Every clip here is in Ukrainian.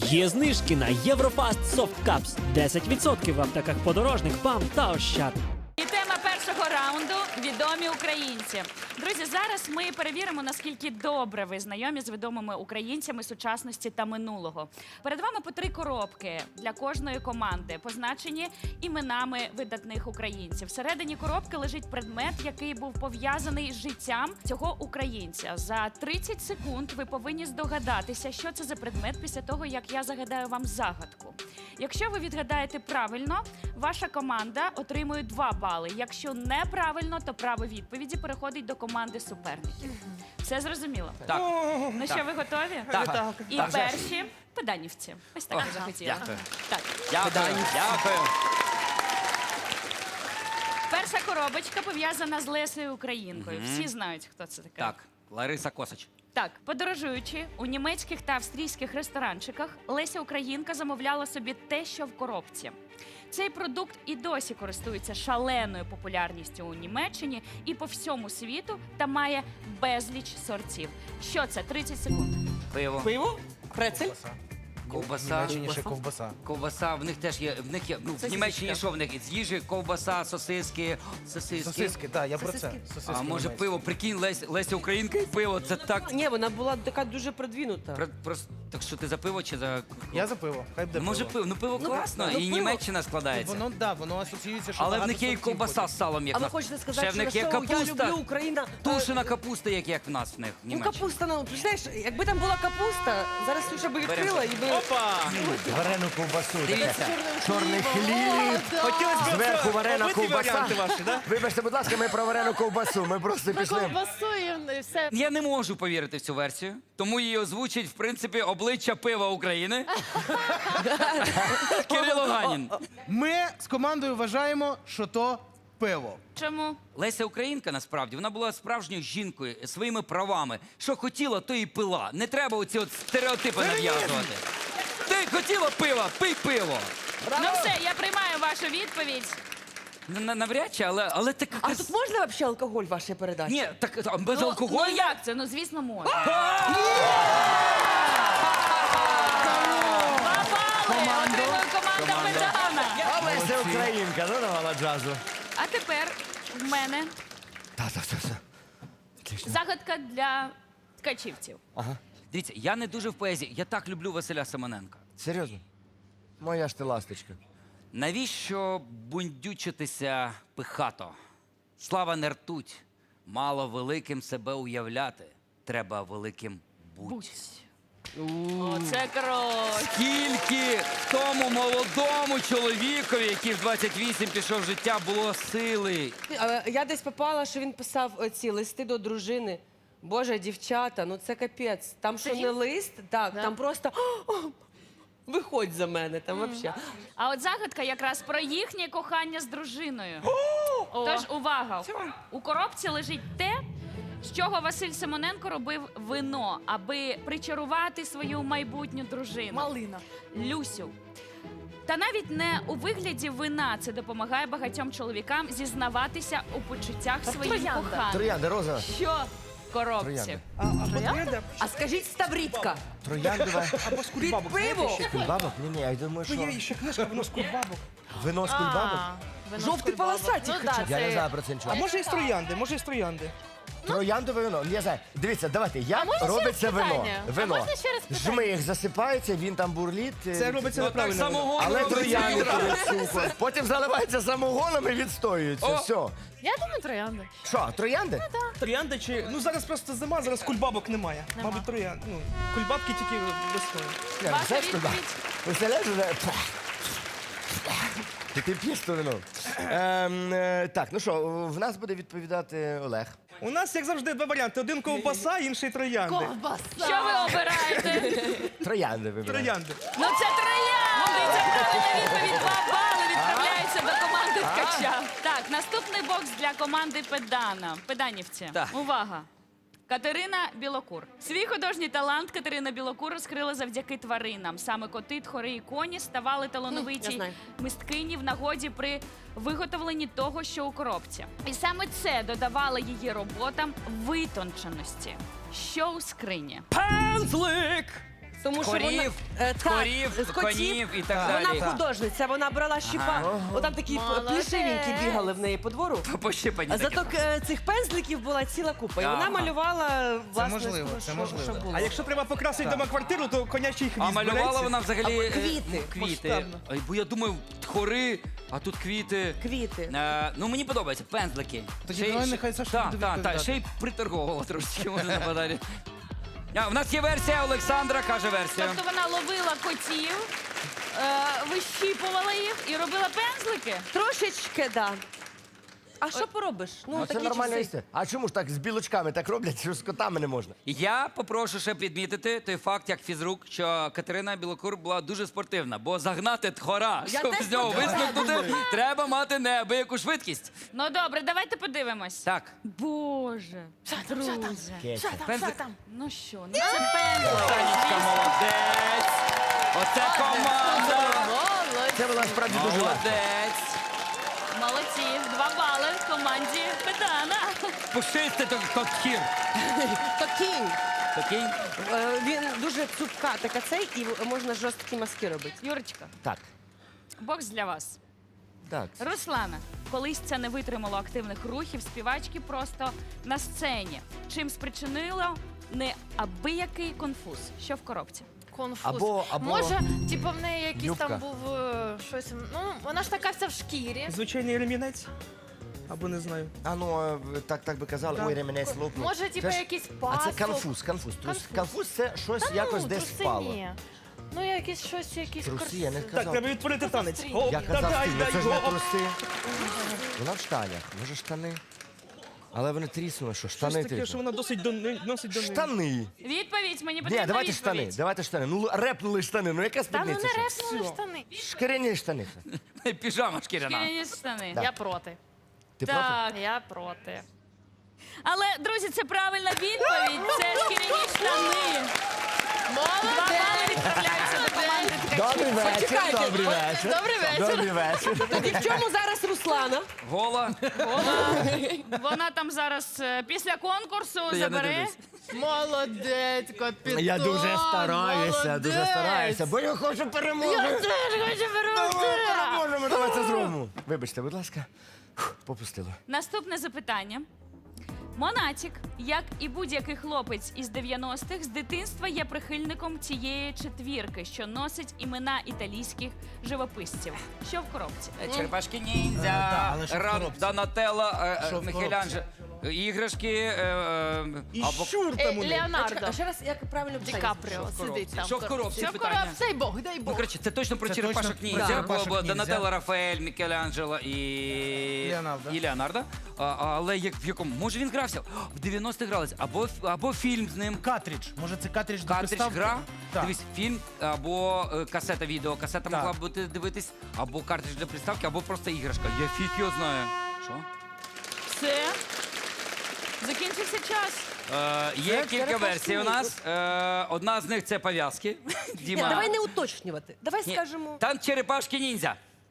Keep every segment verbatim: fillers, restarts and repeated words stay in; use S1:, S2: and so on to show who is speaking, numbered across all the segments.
S1: Є знижки на Єврофаст Soft Cups. десять відсотків в аптеках Подорожник, ПАМ та Ощад.
S2: І тема першого раунду – відомі українці. Друзі, зараз ми перевіримо, наскільки добре ви знайомі з відомими українцями сучасності та минулого. Перед вами по три коробки для кожної команди, позначені іменами видатних українців. Всередині коробки лежить предмет, який був пов'язаний з життям цього українця. За тридцять секунд ви повинні здогадатися, що це за предмет після того, як я загадаю вам загадку. Якщо ви відгадаєте правильно, ваша команда отримує два бали. Якщо неправильно, то право відповіді переходить до команди суперників. Все зрозуміло?
S3: Так.
S2: Ну що, ви готові?
S3: Так.
S2: І
S3: Так.
S2: перші – педанівці. Ось так я захотіла.
S3: Дякую.
S2: Так.
S3: Дякую. Дякую.
S2: Перша коробочка пов'язана з Лесею Українкою. Всі знають, хто це така.
S3: Так, Лариса Косач.
S2: Так, подорожуючи у німецьких та австрійських ресторанчиках, Леся Українка замовляла собі те, що в коробці. Цей продукт і досі користується шаленою популярністю у Німеччині і по всьому світу та має безліч сортів. Що це? тридцять секунд.
S3: Пиво.
S4: Пиво? Прецель?
S3: Ковбаса.
S5: Німеччині ще ковбаса.
S3: Ковбаса. В них теж є. В них є. Ну, в Німеччині що в них? З їжі, ковбаса, сосиски. Сосиски.
S5: Сосиски, так, я про це.
S4: Сосиски.
S5: Сосиски
S3: А може
S5: німецькі.
S3: пиво? Прикинь, Лесь, Леся Українка і пиво. Це так.
S4: Ні, вона була така дуже продвинута.
S3: Про- Просто так що ти за пиво чи за.
S5: Я за пиво, хай буде
S3: Може
S5: пиво.
S3: пиво. Ну пиво класно.
S4: ну,
S3: І
S4: пиво.
S3: Німеччина складається.
S5: Воно, да, воно асоціюється, що
S3: Але в
S5: багато
S3: них є і
S5: сортів
S3: ковбаса
S5: потім.
S3: з салом, як
S4: А
S3: в
S4: ви
S3: нас.
S4: хочете сказати,
S3: Ще в
S4: що
S3: них є
S4: що я
S3: капуста.
S4: люблю Україна?
S3: Тушена
S4: Е,
S3: капуста, як, як в нас в них в
S4: Ну,
S3: Німеччині.
S4: капуста, ну, знаєш, якби там була капуста, зараз Ксюша би відкрила і би...
S5: Опа!
S6: Варену ковбасу.
S3: Дивіться.
S6: Чорний хліб.
S5: Хотілося б
S6: Зверху варена
S5: побиті
S6: ковбаса.
S5: варіанти ваші, да?
S6: Вибачте, будь ласка, ми про варену ковбасу. Ми просто пішли.
S7: Ковбасу і все.
S3: Я не можу повірити в цю версію, тому її озвучить, в принципі, обличчя пива України. Кирило Ганін.
S5: Ми з командою вважаємо, що то пиво.
S2: Чому?
S3: Леся Українка, насправді, вона була справжньою жінкою, своїми правами. Що хотіла, то і пила. Не треба оці от стереотипи нав'язувати. Ти хотіла пива, пий пиво.
S2: Ну все, я приймаю вашу відповідь.
S3: Н- на- Навряд чи, але, але так...
S4: А тут можна взагалі алкоголь в вашій передачі?
S3: Ні, так а без
S2: Ну,
S3: алкоголю?
S2: ну як це? Ну звісно, можна. Два бали отримує команда Педана.
S6: А Леся Українка, ну давала джазу.
S2: А тепер в мене
S6: Так, так, так, так. Отлично.
S2: загадка для ткачівців.
S3: Дивіться, я не дуже в поезії. Я так люблю Василя Семененка.
S6: Серйозно? Моя ж ти ласточка.
S3: Навіщо бундючитися пихато? Слава не ртуть, мало великим себе уявляти, треба великим буть.
S2: Оце кров.
S3: Скільки тому молодому чоловікові, який в двадцять вісім пішов в життя, було сили.
S4: А, Я десь попала, що він писав е, ці листи до дружини. Боже, дівчата, ну це капець. Там що не лист, так, там просто «О, виходь за мене, там взагалі.
S2: А от загадка якраз про їхнє кохання з дружиною. Тож увага! У коробці лежить те, з чого Василь Симоненко робив вино, аби причарувати свою майбутню дружину.
S7: Малина.
S2: Люсю. Та навіть не у вигляді вина це допомагає багатьом чоловікам зізнаватися у почуттях своїм
S7: троянда.
S2: коханим.
S6: Троянди, розова.
S2: Що в коробці?
S6: Троянди.
S4: А скажіть ставрітка,
S6: Трояндова.
S4: під пиво,
S6: Кульбабок? Ні, ні, я думаю, що...
S5: Є ще книжка, воно з кульбабок.
S6: Вино з кульбабок?
S4: жовті полосаті.
S7: Ну так,
S6: Я не
S7: це...
S6: знаю про це нічого.
S5: А може і з троянди, може і з троянди.
S6: Трояндове вино. Я знаю. Дивіться, давайте, як
S7: можна ще
S6: робиться
S7: раз
S6: вино?
S7: питання? А
S6: Вино.
S7: можна ще раз питання?
S6: Жмих засипається, він там бурліт. е,
S5: Це робиться
S3: Ну так
S5: неправильно.
S3: самогоном
S6: Але
S3: робиться
S6: троянди
S3: відразу.
S6: туди сухо. Потім заливається самогоном і відстоюється.
S3: О!
S6: Все.
S7: Я думаю, троянда.
S6: Що, троянди?
S5: Троянда чи... Ну зараз просто зима, зараз кульбабок немає. Мабуть, троянд. Ну, кульбабки тільки весною.
S6: Ні,
S2: Ваша
S6: знаєш, куди?
S2: відповідь?
S6: Представляєш, вже... І ти п'єш то вино. Ем, е, так, ну що, в нас буде відповідати Олег.
S5: У нас, як завжди, два варіанти. Один ковбаса, інший троянди.
S7: Ковбаса.
S2: Що ви обираєте?
S6: Троянди вибираємо.
S5: Троянди.
S2: Ну це троянди! Це правильна відповідь. Два бали відправляються до команди ткача. Так, наступний бокс для команди Педана. Педанівці.
S3: Так.
S2: Увага! Катерина Білокур. Свій художній талант Катерина Білокур розкрила завдяки тваринам. Саме коти, тхори і коні ставали
S4: Я
S2: талановиті
S4: знаю.
S2: мисткині в нагоді при виготовленні того, що у коробці. І саме це додавало її роботам витонченості. Що у скрині?
S3: Пензлик!
S4: Тому що
S3: Корів,
S4: вона е, так,
S3: корів,
S4: з котів.
S3: конів і так далі.
S4: Вона художниця, вона брала щіпа. Отам такі
S7: Молодець.
S4: плішивенькі бігали в неї по двору.
S3: Пощипані
S4: А
S3: такі.
S4: зато е, цих пензликів була ціла купа. І вона
S3: Ага.
S4: малювала власне,
S5: можливо,
S4: що-
S5: це
S4: що-
S5: можливо.
S4: що було.
S5: А якщо треба покрасити дома квартиру, то конячий хвіст
S3: А малювала
S5: береться.
S3: вона взагалі е,
S4: квіти.
S3: квіти.
S5: Масштабно.
S3: Ой, бо я думаю, хори, а тут квіти.
S4: Квіти.
S3: Е, ну мені подобається, пензлики.
S5: Тоді
S3: Ще й-
S5: давай
S3: ще-
S5: нехай Саша
S3: Так,
S5: буде
S3: так, так,
S5: відповідати.
S3: ще й приторговувала трошечки, може на базарі. А, в нас є версія, Олександра каже версію.
S2: Тобто вона ловила котів, е, вищіпувала їх і робила пензлики.
S4: Трошечки, да. А що поробиш? Ну,
S6: Ну, це
S4: такі
S6: нормальна
S4: часи.
S6: історія. А чому ж так з білочками так роблять, що з котами не можна?
S3: Я попрошу ще відмітити той факт, як фізрук, що Катерина Білокур була дуже спортивна, бо загнати тхора,
S4: Я
S3: щоб
S4: теж
S3: з нього
S4: спортивна.
S3: висмикнути, треба мати неабияку швидкість.
S2: Ну добре, давайте подивимось.
S3: Так,
S2: Боже, друзі.
S6: Кеся.
S3: пензлик.
S2: Ну що, ну це пензлик.
S3: Танечка, молодець. Оце команда.
S6: Це вона справді дуже легко.
S3: Молодець.
S2: Молодці, два бали команді Педана.
S3: Пушисти то тот хір.
S4: То кінь.
S3: Такий.
S4: Е, Він дуже цупка така цей, і можна жорсткі маски робити.
S2: Юрочка,
S6: Так,
S2: бокс для вас.
S6: так.
S2: Руслана, колись це не витримало активних рухів співачки просто на сцені. Чим спричинило неабиякий конфуз. Що в коробці?
S7: Конфуз.
S6: Або- або-
S7: Може, типу, в неї якийсь
S6: Юбка.
S7: там був е, щось. Ну, вона ж така вся в шкірі.
S5: Звичайний ремінець? Або не знаю.
S6: А ну, е, так, так би казали, ой, ременець лопнув.
S7: Може, типу,
S6: Це ж-
S7: якийсь
S6: А
S7: пасок.
S6: це конфуз, конфуз. Трус-
S7: Конфуз.
S6: Конфуз це щось
S7: Та
S6: якось
S7: ну,
S6: десь
S7: труси
S6: впало.
S7: ні. Ну, якісь щось, якісь
S6: Труси, я не
S7: корс-
S5: Так,
S6: казав.
S5: треба відтворити танець.
S7: стрій.
S5: Оп,
S6: Я
S5: та
S6: казав,
S5: дай,
S6: стиль,
S5: дай,
S6: це ж не
S5: оп.
S6: труси. Вона в штанях, може штани. Але вони тріснули, що
S5: Щось
S6: штани
S5: таке, що
S6: тріснули.
S5: вона досить до носить до неї.
S6: Штани.
S2: Відповідь, мені
S6: Ні,
S2: потрібна
S6: давайте
S2: відповідь.
S6: штани, давайте штани. Ну, репнули штани, ну яка
S7: Та ну
S6: спідниця?
S7: не
S6: що?
S7: репнули штани.
S6: Шкіряні штани.
S3: Піжама шкіряна.
S2: Шкіряні штани.
S7: Я проти.
S6: Ти проти?
S2: Так.
S7: Я проти.
S2: Але, друзі, це правильна відповідь. Це шкіряні штани. Два бали відправляються до команди
S6: Добрий
S2: ткачів.
S6: вечір,
S4: Почекайте,
S6: добрий
S4: от-
S6: вечір.
S7: добрий вечір.
S6: Добрий вечір.
S4: Тоді в чому зараз Руслана?
S3: Гола.
S2: Вона там зараз е, після конкурсу
S3: Я не
S2: забере.
S3: дивлюсь.
S7: Молодець, капітан.
S6: Я дуже стараюся, дуже
S7: молодець.
S6: стараюся, бо я хочу
S7: Я
S6: перемоги.
S7: теж хочу
S6: Давай
S7: перемогти.
S6: переможемо, давай це зробимо. Вибачте, будь ласка. Фух, попустило.
S2: Наступне запитання. Монатік, як і будь-який хлопець із дев'яностих, з дитинства є прихильником цієї четвірки, що носить імена італійських живописців. Що в коробці?
S3: Черепашки
S5: Е,
S3: ніндзя,
S5: да, але що в
S3: Ран,
S5: коробці?
S3: Донателло, е, е,
S5: Що в
S3: Мікеланджело, іграшки, е, е,
S5: І
S3: або...
S5: щур
S7: Е,
S5: там у неї.
S7: Леонардо.
S4: А ще раз, як правильно
S7: Ді
S4: питання?
S7: Капріо сидить там.
S3: Що в коробці?
S7: Що в
S3: Питання.
S7: коробці? Дай Бог, дай
S3: Ну,
S7: Бог.
S3: коротше, це точно про
S5: Це
S3: черепашок
S5: точно
S3: ніндзя,
S5: про
S3: бо,
S5: черепашок
S3: бо
S5: ніндзя.
S3: Донателло, Рафаель, Мікеланджело і...
S5: Леонардо.
S3: І Леонардо. А, але як, в якому? Може він грався? В дев'яностих грались. Або, або фільм з ним.
S5: Картридж. Може це картридж до
S3: Картридж
S5: приставки?
S3: гра,
S5: Так.
S3: дивись, фільм, або е, касета відео. Касета
S5: Так.
S3: могла б бути дивитись, або картридж для приставки, або просто іграшка. Я фіг його знаю. Що?
S2: Все. Закінчився час.
S3: Е, є
S4: Це
S3: кілька
S4: черепашки
S3: версій у нас. Е, одна з них це пов'язки.
S4: Ні,
S3: Діма.
S4: давай не уточнювати. Давай
S3: Ні,
S4: скажемо.
S3: Там черепашки ніндзя.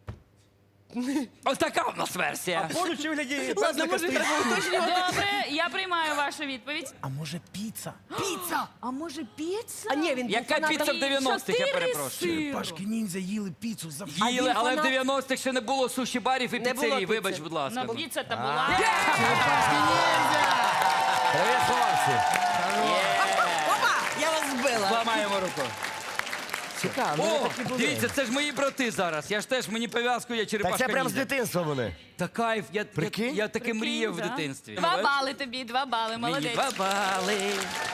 S3: Ось така у нас версія.
S5: Поруч у вигляді
S4: Ладно,
S5: пензлика
S4: може
S5: стоїть.
S4: треба уточнювати.
S2: Добре, я приймаю вашу відповідь.
S5: А може піца?
S2: А може піца?
S4: А ні, він був
S3: Яка
S4: фанатом.
S3: піца в дев'яностих, я
S2: Чотири
S3: перепрошую.
S2: сиру.
S5: Пашки ніндзя їли піцу за
S4: А
S3: Їли,
S4: він
S3: але в
S4: фанат-
S3: дев'яностих ще не було суші-барів і
S4: Не було
S3: піцерій.
S4: піци.
S3: Вибач, будь ласка.
S2: Ну, піца та була.
S6: Привіт, хлопці.
S4: Опа, я вас збила.
S3: Зламаємо руку.
S6: Цікаво, ну
S3: О,
S6: вони такі були.
S3: дивіться, це ж мої брати зараз. Я ж теж, мені пов'язку, я
S6: Так
S3: черепашка
S6: це прям з
S3: ніндзя.
S6: дитинства вони.
S3: Та кайф, я, я,
S6: Прикинь?
S3: я таки
S2: Прикинь,
S3: мріяв в
S2: да.
S3: дитинстві.
S2: Два бали тобі, два бали,
S3: Мені
S2: молодець.
S3: два бали.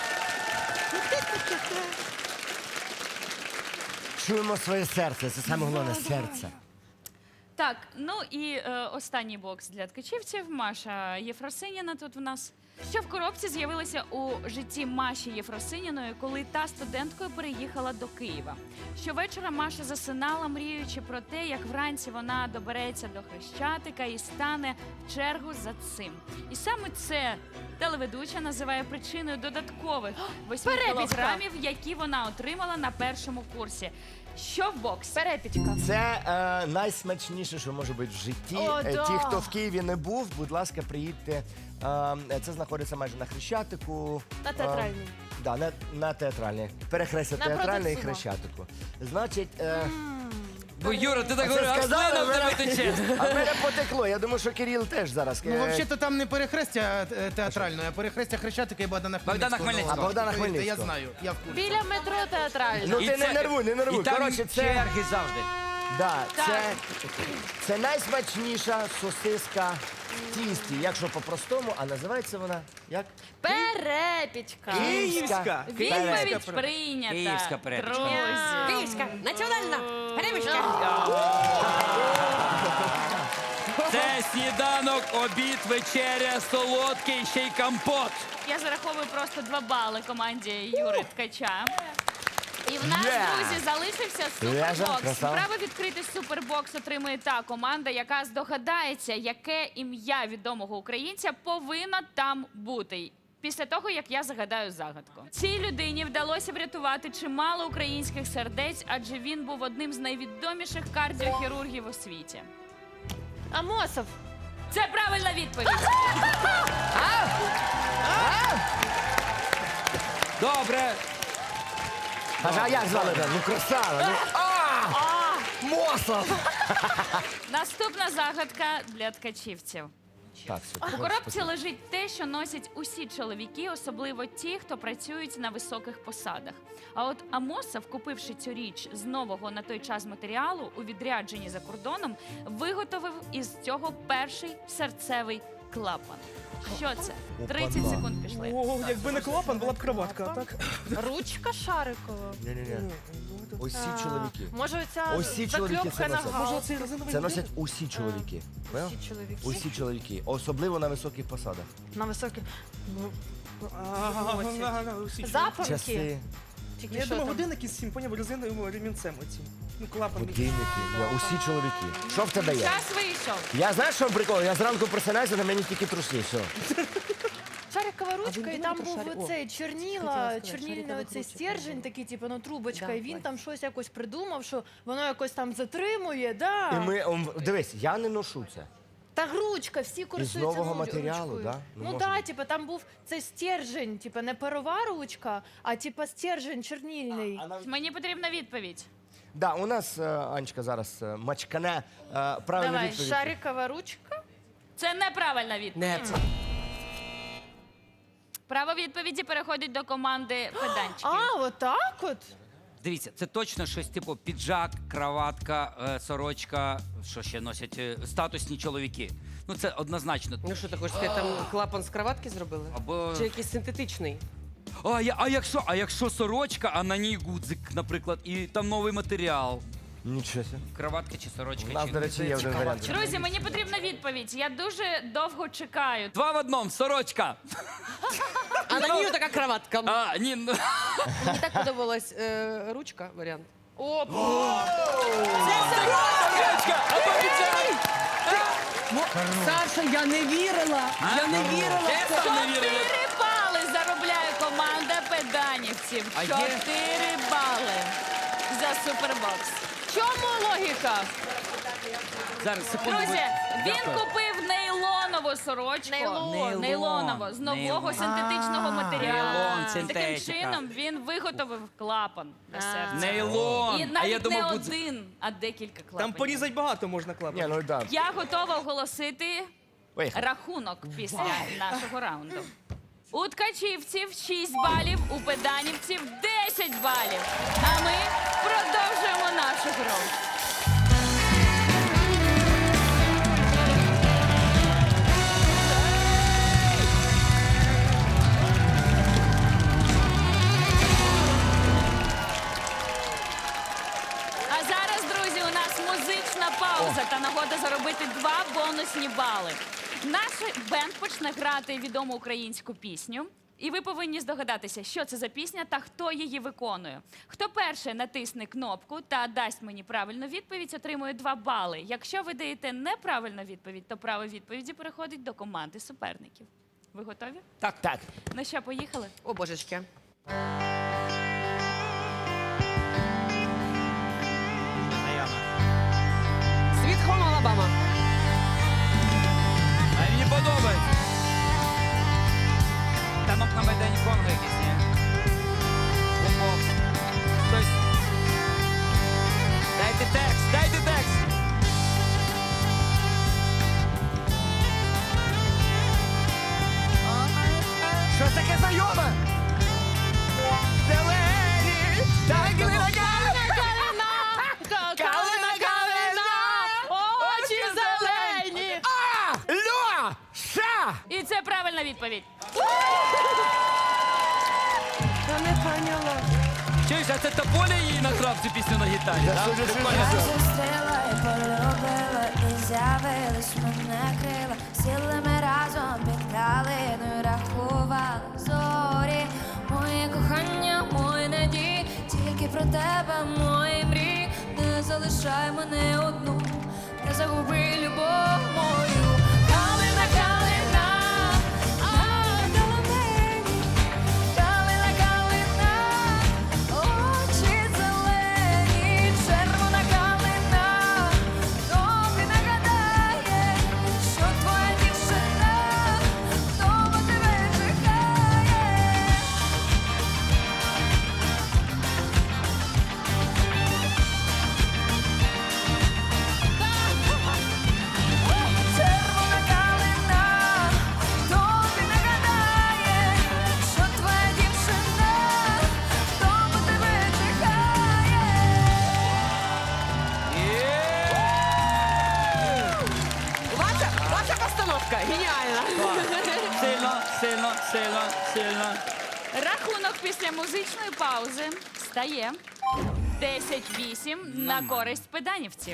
S6: Чуємо своє серце, це саме головне серце.
S2: Так, ну і е, останній бокс для ткачівців. Маша Єфросиніна тут в нас. Що в коробці з'явилося у житті Маші Єфросиніної, коли та студенткою переїхала до Києва. Щовечора Маша засинала, мріючи про те, як вранці вона добереться до Хрещатика і стане в чергу за цим. І саме це телеведуча називає причиною додаткових восьми
S7: Перепічка.
S2: кілограмів, які вона отримала на першому курсі. Що в боксі?
S7: Перепічка.
S6: Це е, найсмачніше, що може бути в житті.
S7: О,
S6: Е,
S7: да.
S6: Ті, хто в Києві не був, будь ласка, приїдьте А, Це знаходиться майже на Хрещатику.
S7: На театральній.
S6: А, да, на, на театральній. Перехрестя
S7: На
S6: театральної і
S7: Продексума.
S6: Хрещатику. Значить, е,
S3: Бо Юра, ти так
S6: це
S3: говориш, а
S6: сказали,
S3: слина в тебе
S6: мене-
S3: тече.
S6: а в мене потекло. Я думаю, що Кирил теж зараз.
S5: Ну,
S6: е,
S5: взагалі-то там не перехрестя е, театральне, а перехрестя Хрещатика і Богдана Хмельницького.
S3: Богдана Хмельницького.
S6: А, Богдана
S5: Повірте, Я
S6: Хмельницького.
S5: знаю, я в курсі.
S7: Біля метро театральна.
S6: Ну
S3: І
S6: ти не
S3: це-
S6: нервуй, не нервуй.
S3: І там
S6: Коротше, це,
S3: черги завжди.
S6: да,
S2: Так.
S6: це, це найсмачніша сосиска в тісті, якщо по-простому, а називається вона як?
S7: Перепічка.
S5: Київська.
S2: Відповідь прийнята.
S3: Київська перепічка.
S2: Друзі.
S4: Київська, національна, перемішка.
S3: Це сніданок, обід, вечеря, солодкий, ще й компот.
S2: Я зараховую просто два бали команді Юри Ткача. І в нас,
S6: Yeah.
S2: друзі, залишився
S6: Лежа,
S2: супербокс.
S6: красава.
S2: Право відкрити супербокс отримує та команда, яка здогадається, яке ім'я відомого українця повинно там бути. Після того, як я загадаю загадку. Цій людині вдалося врятувати чимало українських сердець, адже він був одним з найвідоміших кардіохірургів у світі.
S7: Амосов.
S2: Це правильна відповідь.
S3: Добре.
S6: Каже, а як звали? тебе? Ну красава. Ну, а! Мосов!
S2: Наступна загадка для ткачівців.
S6: Так, все.
S2: У коробці лежить те, що носять усі чоловіки, особливо ті, хто працюють на високих посадах. А от Амосов, купивши цю річ з нового на той час матеріалу у відрядженні за кордоном, виготовив із цього перший серцевий клапан. Що це? тридцять
S6: Опа-на.
S2: секунд пішли.
S5: О, якби не клапан, була б кроватка, а так?
S7: Ручка Шарикова.
S6: Ні-ні-ні. Усі
S7: А,
S6: чоловіки.
S7: Може, оця
S6: Усі чоловіки це
S7: закльопка на
S6: носять.
S5: Може,
S7: гал.
S5: оцей резиновий
S6: Це
S5: ніж?
S6: носять усі чоловіки. Поняв?
S7: Усі чоловіки.
S6: Усі чоловіки, особливо на високих посадах.
S7: На високі.
S5: Ага, ага, усі.
S7: Запонки.
S6: Часи,
S7: Тільки
S5: Я
S7: що
S5: думаю,
S7: там?
S5: годинники з цим, поняв, резиновим ремінцем оці. Ну, клапан.
S6: годинники, ні, усі чоловіки. Що в тебе є?
S2: Час вийшов.
S6: Я знаю, що прикол? Я зранку просинаюся, на мені тільки трусні, все.
S7: Шарикова
S4: А ви
S7: ручка, і
S4: думали
S7: там
S4: про
S7: був
S4: шарик? О,
S7: оцей
S4: хотіла
S7: чорніла,
S4: сказати,
S7: чорнільний
S4: шарикових
S7: оцей
S4: ручок,
S7: стержень,
S4: да.
S7: такий, типу, ну трубочка,
S4: Да,
S7: і він
S4: Вась.
S7: там щось якось придумав, що воно якось там затримує, да.
S6: І ми, ом, дивись, я не ношу це.
S7: Та ручка, всі користуються
S6: нового
S7: ну,
S6: матеріалу,
S7: ручкою.
S6: да? Ну,
S7: Ну
S6: може
S7: так,
S6: бути.
S7: типу, там був цей стержень, типу, не парова ручка, а типу стержень чорнільний.
S2: Мені потрібна відповідь.
S6: Да, у нас е, Анечка зараз е, мачкане е, правильну
S2: Давай,
S6: відповідь.
S7: Шарикова ручка?
S2: Це неправильна відповідь.
S4: Не.
S2: Право відповіді переходить до команди педанчиків.
S7: А, отак от?
S3: Дивіться, це точно щось типу піджак, краватка, е, сорочка, що ще носять е, статусні чоловіки. Ну це однозначно.
S4: Ну що ти хочеш сказати, там клапан з кроватки зробили?
S3: Або
S4: Чи якийсь синтетичний?
S3: а, я, а якщо, а якщо сорочка, а на ній гудзик, наприклад, і там новий матеріал.
S6: Нічого себе.
S3: Краватка чи сорочка?
S6: У нас,
S3: чи...
S6: до речі, є один варіант.
S2: Друзі, мені потрібна відповідь. Я дуже довго чекаю.
S3: Два в одному, сорочка.
S4: А на ній така кроватка.
S3: А, ні, ну.
S4: Мені так подобалась е, ручка, варіант.
S3: Сорочка, або піджак.
S4: Саша, я не вірила. Я не вірила.
S3: Чесно, не вірили.
S2: Чотири бали заробляє команда педанівців.
S3: А є-
S2: Чотири бали за супербокс. В чому логіка?
S3: Зараз, секунду.
S2: Друзі,
S3: ви-
S2: він
S3: Дякую.
S2: купив нейлонову сорочку.
S7: Нейлон.
S2: Нейлонову, з нового
S3: Нейлон.
S2: синтетичного матеріалу.
S3: Нейлон,
S2: Таким
S3: синтетика.
S2: чином він виготовив клапан для серця.
S3: Нейлон.
S2: І
S3: А я
S2: навіть не
S3: думав, гудзик.
S2: один, а декілька клапанів.
S5: Там порізати багато можна
S6: Ні,
S5: клапан.
S6: ну да.
S2: Я готова оголосити
S6: Поїхали.
S2: рахунок після нашого раунду. У ткачівців шість балів, у педанівців десять балів. А ми продовжуємо нашу гру. А зараз, друзі, у нас музична пауза та нагода заробити два бонусні бали. Наш бенд почне грати відому українську пісню. І ви повинні здогадатися, що це за пісня та хто її виконує. Хто перший натисне кнопку та дасть мені правильну відповідь, отримує два бали. Якщо ви даєте неправильну відповідь, то право відповіді переходить до команди суперників. Ви готові?
S6: Так, так.
S2: Ну що, поїхали?
S4: О, божечки. Світ Хоум Алабама.
S3: А мені подобається.
S2: відповідь.
S4: Я не поняла.
S3: Чуєш, а це Тополя її награв цю пісню на гітарі?
S6: Я
S3: да?
S6: дуже
S3: Прикольно.
S6: сильно.
S8: Зустріла і полюбила, і з'явились мене крила. Сіли ми разом під калиною, рахували зорі. Моє кохання, мої надії, тільки про тебе, мої мрії. Не залишай мене одну, не загуби любов мою. Калина, калина, а доломені. Калина, калина, очі зелені, червона калина, тобі нагадає, що твоя дівчина вдома тебе чекає. Червона калина, тобі нагадає, що твоя дівчина вдома тебе чекає.
S4: Ваша, ваша постановка геніальна.
S3: Сильно, сильно, сильно, сильно.
S2: Рахунок після музичної паузи стає десять вісім на користь педанівців.